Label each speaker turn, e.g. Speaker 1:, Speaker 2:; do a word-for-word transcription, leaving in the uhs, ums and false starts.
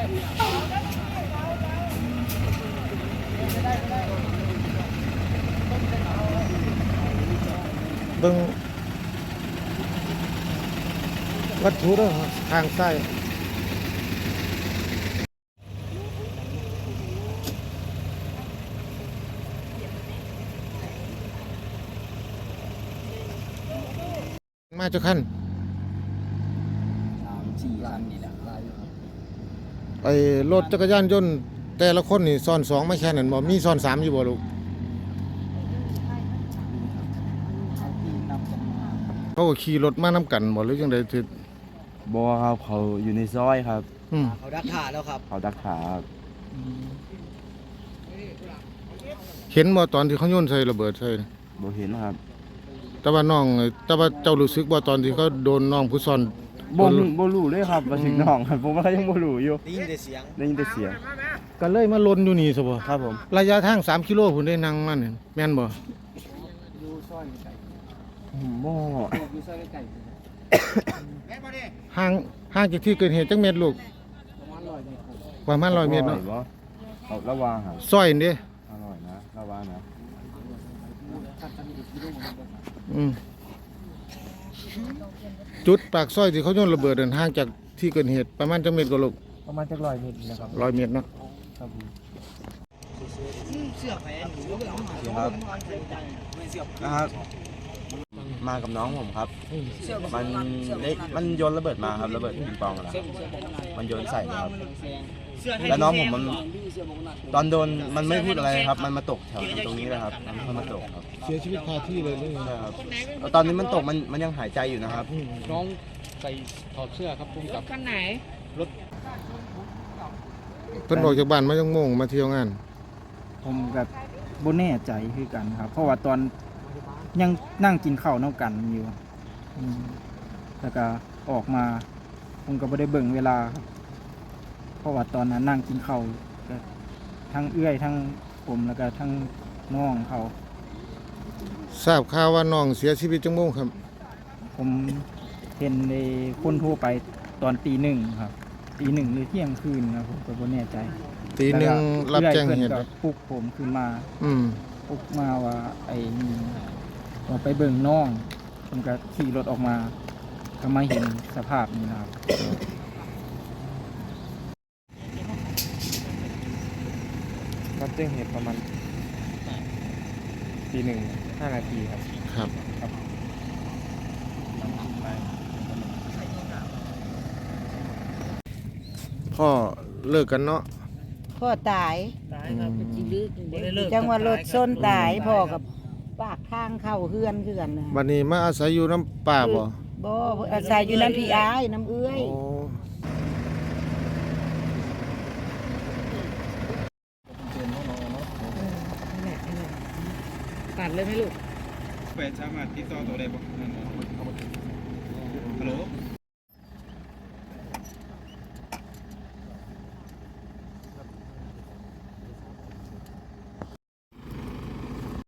Speaker 1: เบิ่งวัตถุเด้อทางซ้ายมาเจ้าคัน
Speaker 2: สามสี่คันนี่แหละ
Speaker 1: ไอ้รถจักรยานยนต์แต่ละคนนี่ซ้อนสองไม่แค่นั้นบ่มีซ้อนสามอยู่บ่ลูกเขาก็ขี่รถมานํกันบ่หรือจังได๋ถึก
Speaker 3: บ่ครับเขาอยู่ในซอยครับ
Speaker 1: อืม
Speaker 2: เขาดักขาแล้วครับ
Speaker 3: เขาดักขาครับ
Speaker 1: เห็นบ่ตอนที่เขาโยนใส่ระเบิดใส่
Speaker 3: บ่เห็นครับ
Speaker 1: แต่ว่าน้องแต่ว่าเจ้ารู้สึกบ่ตอนที่เขาโดนน้องผู้ซ่อน
Speaker 3: บ่บ่รู้เลยครับว่าถึงน้องครับผมว่ายังบ่รู้อยู่
Speaker 2: ได้ยินแต่เสียง
Speaker 3: ได้ยินแต่เสียง
Speaker 1: ก็เลยมาลนอยู่นี่ซะบ่
Speaker 3: ครับผม
Speaker 1: ระยะทางสามกิโลพุ่นได้นั่งมานี่แม่นบ่
Speaker 2: อยู่ซอยไกล
Speaker 3: บ่
Speaker 2: อยู่ซอยไกล
Speaker 1: ห่างห่างจากที่เกิดเหตุจักเม็ดลูก
Speaker 2: ประมาณร้อยเมตร
Speaker 1: ประมาณร้อยเมตรเนาะ
Speaker 3: เขาระวังครับ
Speaker 1: ซอยนี่
Speaker 3: อร่อยนะระวังนะ
Speaker 1: อืมจุดปากซอยที่เขาโยนระเบิดนั่นห่างจากที่เกิดเหตุประมาณจักเม็ดก็ลูก
Speaker 2: ประมาณจักร้อยเมตรนะครับ
Speaker 1: ร้อยเมตรเนาะ
Speaker 2: ครับเสื้อแขนหนู
Speaker 3: ครับนะครับมากับน้องผมครับมันเล็กมันโยนระเบิดมาครับระเบิดปิงปองอะไรมันโยนใส่ครับแล้วน้องผมมันตอนโดนมันไม่พูดอะไรครับมันมาตกแถวตรงนี้เลยครับมันมาตกครับ
Speaker 1: เสียชีวิตคาที่เลยเลย
Speaker 3: ครับตอนนี้มันตกมันมันยังหายใจอยู่นะครับ
Speaker 2: น้องใส่ถอดเสื้อครับพุ่งกับ
Speaker 4: คันไหน
Speaker 2: รถ
Speaker 1: เพิ่นออกจากบ้านมาจังโมงมาเที่ยวงาน
Speaker 5: ผมกับบ่แน่ใจคือกันครับเพราะว่าตอนยังนั่งกินข้าวนำกันอยู่แล้วก็ออกมาผมก็บ่ได้เบิ่งเวลาครับเพราะว่าตอนนั้นนั่งกินข้าวก็ทั้งเอื้อยทั้งผมแล้วก็ทั้งน้องเขา
Speaker 1: ทราบข่าวว่าน้องเสียชีวิตจังโมงครับ
Speaker 5: ผมเห็นในคนโทรไปตอนตีหนึ่งครับตีหนึ่งหรือเที่ยงคืนครับผมก็บ่แน่ใจ
Speaker 1: ตีหนึ่งรับแจ้งเหตุ
Speaker 5: ปลุกผมขึ้นมา
Speaker 1: อืม
Speaker 5: ปลุกมาว่าไอ้นี่ออกไปเบิ่งน้องผมก็ขี่รถออกมาก็มาเห็นสภาพนี้นะครับ
Speaker 3: รับแจ้งเหตุประมาณตีหนึ่งห้านาทีครับ
Speaker 1: ครับพ่อเลิกกันเนาะ
Speaker 4: พ่อตายจังหวัดรถชนตายพ่อกับปากทางเข้าเฮือนคือกันนะ
Speaker 1: บัดนี้มาอาศัยอยู่น้ำป่าบ่
Speaker 4: บ่อาศัยอยู่น้ำพี่อ้ายน้ำเอื้อยตัดเลยไหมลูก
Speaker 2: แปดสามารถติดต่อตัวได้บ่ฮัลโหล